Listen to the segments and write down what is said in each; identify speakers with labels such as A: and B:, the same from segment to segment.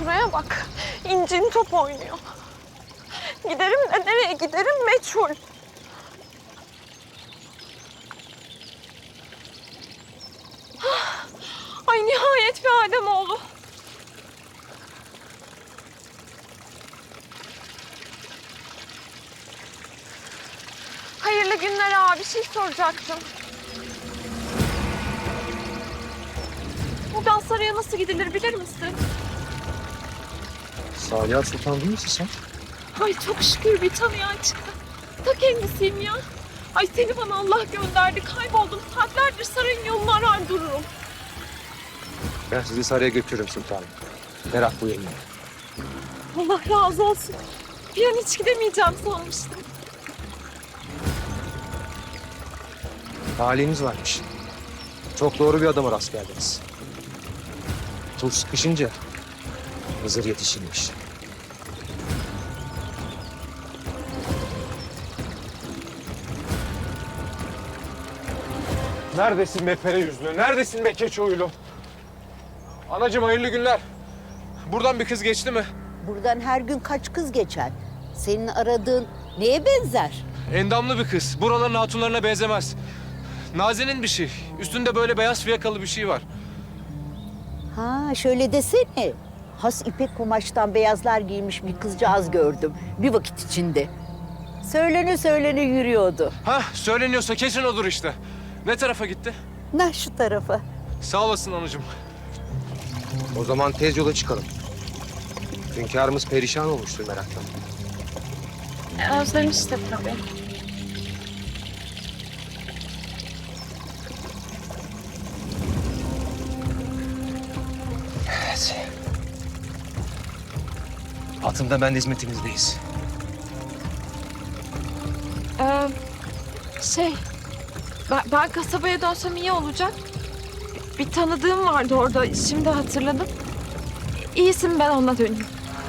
A: Şuraya bak. İncin top oynuyor. Giderim de nereye giderim meçhul. Ay nihayet bir Ademoğlu. Hayırlı günler abi. Bir şey soracaktım. Buradan Saray'a nasıl gidilir bilir misin?
B: Saliha Sultan değil misin sen?
A: Ay çok şükür bir tanıyan çıktı. Ta kendisiyim ya. Ay seni bana Allah gönderdi. Kayboldum. Saatlerdir sarayın yolunu arar dururum.
B: Ben sizi saraya götürürüm sultanım. Merak buyurmayın.
A: Allah razı olsun. Bir an hiç gidemeyeceğim sanmıştım.
B: Talihiniz varmış. Çok doğru bir adama rast geldiniz. Tuz sıkışınca Hızır yetişirmiş.
C: Neredesin be pere yüzlü? Neredesin be keçi oyulu? Anacığım hayırlı günler. Buradan bir kız geçti mi?
D: Buradan her gün kaç kız geçer? Senin aradığın neye benzer?
C: Endamlı bir kız. Buraların hatunlarına benzemez. Nazenin bir şey. Üstünde böyle beyaz fiyakalı bir şey var.
D: Ha şöyle desene. Has ipek kumaştan beyazlar giymiş bir kızcağız gördüm bir vakit içinde. Söylene yürüyordu.
C: Hah söyleniyorsa kesin odur işte. Ne tarafa gitti?
D: Nah şu tarafa.
C: Sağ olasın anacığım.
B: O zaman tez yola çıkalım. Hünkârımız perişan olmuştur meraktan.
A: Özlemiştir tabii.
B: Evet. Atımda ben de hizmetinizdeyiz.
A: Şey, ben kasabaya dönsem iyi olacak. Bir tanıdığım vardı orada, şimdi hatırladım. İyisin, ben ona döneyim.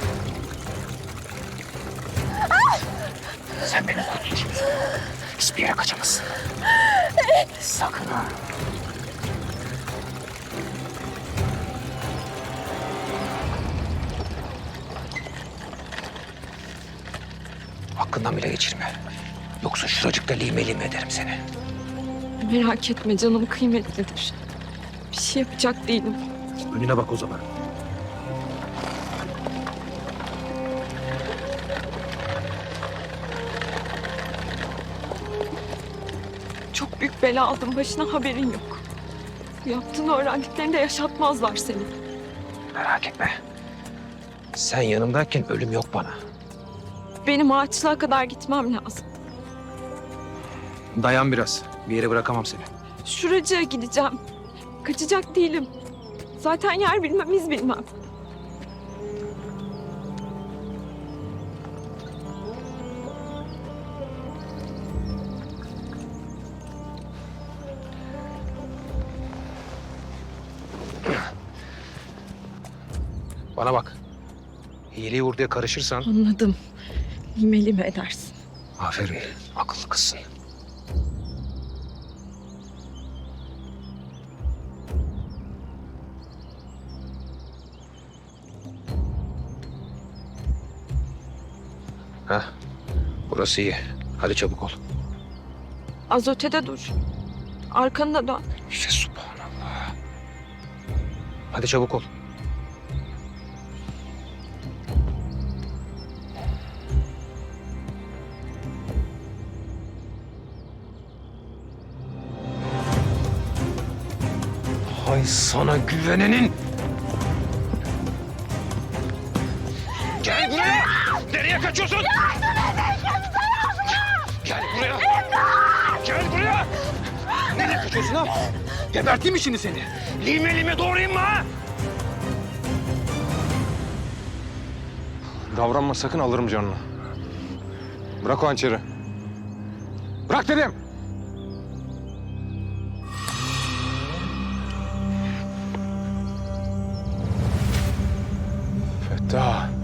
B: Sen beni kurtulacaksın. Hiçbir yere kaçamazsın. Sakın ha. Hakkından bile geçirme. Yoksa şuracıkta lime lime ederim seni.
A: Merak etme, canım kıymetlidir. Bir şey yapacak değilim.
B: Önüne bak o zaman.
A: Çok büyük bela aldım, başına haberin yok. Bu yaptığını öğrendiklerinde yaşatmazlar seni.
B: Merak etme. Sen yanımdayken ölüm yok bana.
A: Benim ağaçlığa kadar gitmem lazım.
B: Dayan biraz. Bir yere bırakamam seni.
A: Şuracığa gideceğim. Kaçacak değilim. Zaten yer bilmem, iz bilmem.
B: Bana bak. Hileyi vurduya karışırsan...
A: Anladım. Lime lime edersin.
B: Aferin. Akıllı kızsın. Heh. Burası iyi. Hadi çabuk ol.
A: Az ötede dur. Arkanı da dön.
B: İşte subhanallah. Hadi çabuk ol. Hay sana güvenenin. Gel buraya. Nereye kaçıyorsun? Gel buraya. Gel buraya. Nereye kaçıyorsun ha? Geberteyim mi şimdi seni? Lime lime doğrayayım mı ha?
C: Davranma sakın, alırım canını. Bırak o hançeri. Bırak dedim. Fettah.